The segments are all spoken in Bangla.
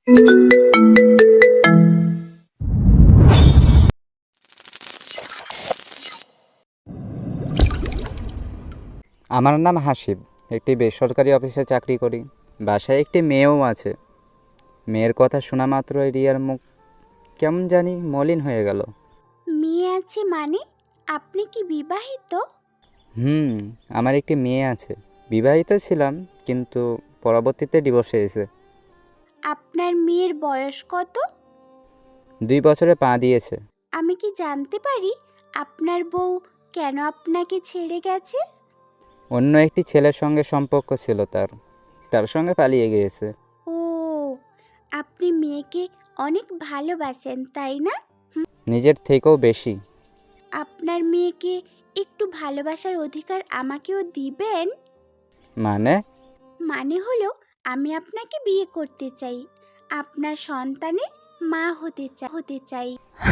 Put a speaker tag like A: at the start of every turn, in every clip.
A: আমার নাম হাসিব। একটি বেসরকারি অফিসে চাকরি করি। বাসায় একটি মেয়েও আছে। মেয়ের কথা শোনা মাত্রই রিয়ার মুখ কেমন জানি মলিন হয়ে গেল।
B: মেয়ে আছে মানে? আপনি কি বিবাহিত?
A: হুম, আমার একটি মেয়ে আছে। বিবাহিত ছিলাম, কিন্তু পরবর্তীতে ডিভোর্স হয়েছে।
B: আপনার মেয়ের বয়স কত?
A: 2 বছরে পা দিয়েছে।
B: আমি কি জানতে পারি আপনার বউ কেন আপনাকে ছেড়ে গেছে?
A: অন্য একটি ছেলের সঙ্গে সম্পর্ক ছিল তার সঙ্গে পালিয়ে গিয়েছে।
B: ও, আপনি মেয়েকে অনেক ভালোবাসেন তাই না?
A: নিজের থেকেও বেশি।
B: আপনার মেয়েকে একটু ভালোবাসার অধিকার আমাকেও দিবেন।
A: মানে?
B: মানে হলো আমি আপনাকে বিয়ে করতে চাই, আপনার সন্তানের মা হতে চাই।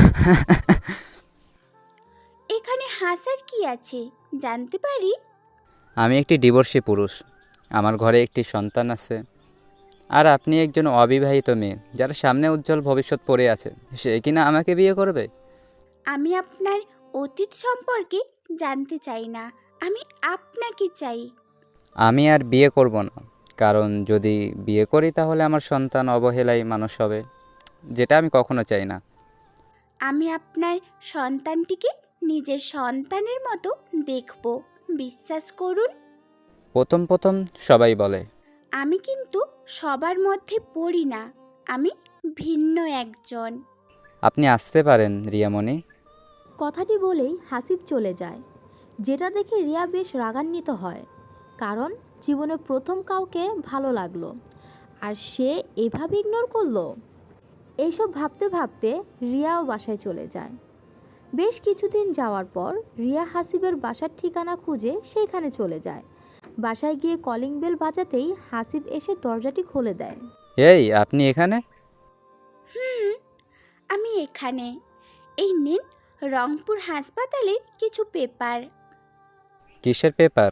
B: এখানে হাসার কি আছে জানতে পারি?
A: আমি একটি ডিভোর্সি পুরুষ। আমার ঘরে একটি সন্তান আছে। আর আপনি একজন অবিবাহিত মেয়ে, যার সামনে উজ্জ্বল ভবিষ্যৎ পড়ে আছে, সে কিনা আমাকে বিয়ে করবে?
B: আমি আপনার অতীত সম্পর্কে জানতে চাই না, আমি আপনাকে চাই।
A: আমি আর বিয়ে করব না, কারণ যদি বিয়ে করি তাহলে আমার সন্তান অবহেলায় মানুষ হবে, যেটা আমি কখনো চাই না।
B: আমি আপনার সন্তানটিকে নিজের সন্তানের মতো দেখব, বিশ্বাস করুন।
A: প্রথম প্রথম সবাই বলে।
B: আমি কিন্তু সবার মধ্যে পড়ি না, আমি ভিন্ন একজন।
A: আপনি আসতে পারেন রিয়ামণি।
C: কথাটি বলেই হাসিব চলে যায়, যেটা দেখে রিয়া বেশ রাগান্বিত হয়। কারণ জীবনে প্রথম কাউকে ভালো লাগলো, আর সে এভাবে ইগনোর করলো। এইসব ভাবতে ভাবতে রিয়াও বাসায় চলে যায়। বেশ কিছুদিন যাওয়ার পর রিয়া হাসিবের বাসার ঠিকানা খুঁজে সেইখানে চলে যায়। বাসায় গিয়ে কলিং বেল বাজাতেই হাসিব এসে দরজাটি খুলে দেয়।
A: এই, আপনি এখানে?
B: হুম, আমি এখানে। এই নিন রংপুর হাসপাতালের কিছু পেপার।
A: কিসের পেপার?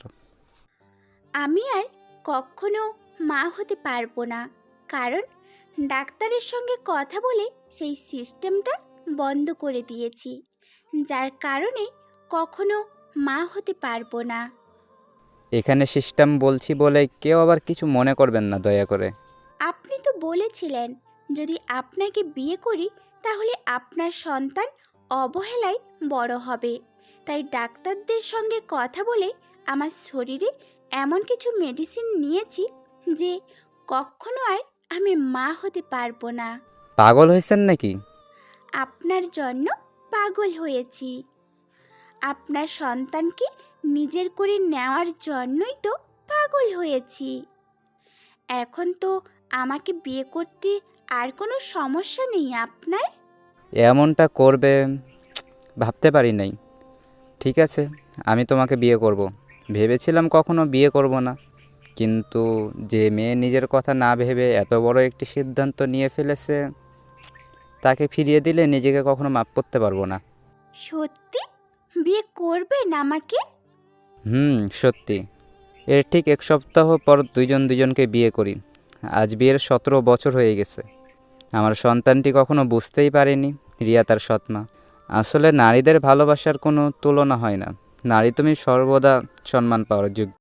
B: আমি আর কখনো মা হতে পারবো না, কারণ ডাক্তারের সঙ্গে কথা বলে সেই সিস্টেমটা বন্ধ করে দিয়েছি, যার কারণে কখনো মা হতে পারবো না।
A: এখানে সিস্টেম বলছি বলে কেউ আবার কিছু মনে করবেন না দয়া করে।
B: আপনি তো বলেছিলেন যদি আপনাকে বিয়ে করি তাহলে আপনার সন্তান অবহেলায় বড় হবে, তাই ডাক্তারদের সঙ্গে কথা বলে আমার শরীরে এমন কিছু মেডিসিন নিয়েছি যে কখনো আর আমি মা হতে পারবো না।
A: পাগল হয়েছেন নাকি?
B: আপনার জন্য পাগল হয়েছি। আপনার সন্তানকে নিজের করে নেওয়ার জন্যই তো পাগল হয়েছি। এখন তো আমাকে বিয়ে করতে আর কোনো সমস্যা নেই আপনার?
A: এমনটা করবে ভাবতে পারি নাই। ঠিক আছে, আমি তোমাকে বিয়ে করব। ভেবেছিলাম কখনো বিয়ে করব না, কিন্তু যে মেয়ে নিজের কথা না ভেবে এত বড় একটি সিদ্ধান্ত নিয়ে ফেলেছে, তাকে ফিরিয়ে দিলে নিজেকে কখনো মাপ করতে পারবো না।
B: সত্যি বিয়ে করবেন আমাকে?
A: সত্যি। এর ঠিক 1 সপ্তাহ পর দুজনকে বিয়ে করি। আজ বিয়ের 17 বছর হয়ে গেছে। আমার সন্তানটি কখনো বুঝতেই পারেনি রিয়া তার সৎমা। আসলে নারীদের ভালোবাসার কোনো তুলনা হয় না। নারী তুমি সর্বদা সম্মান পাওয়ার যোগ্য।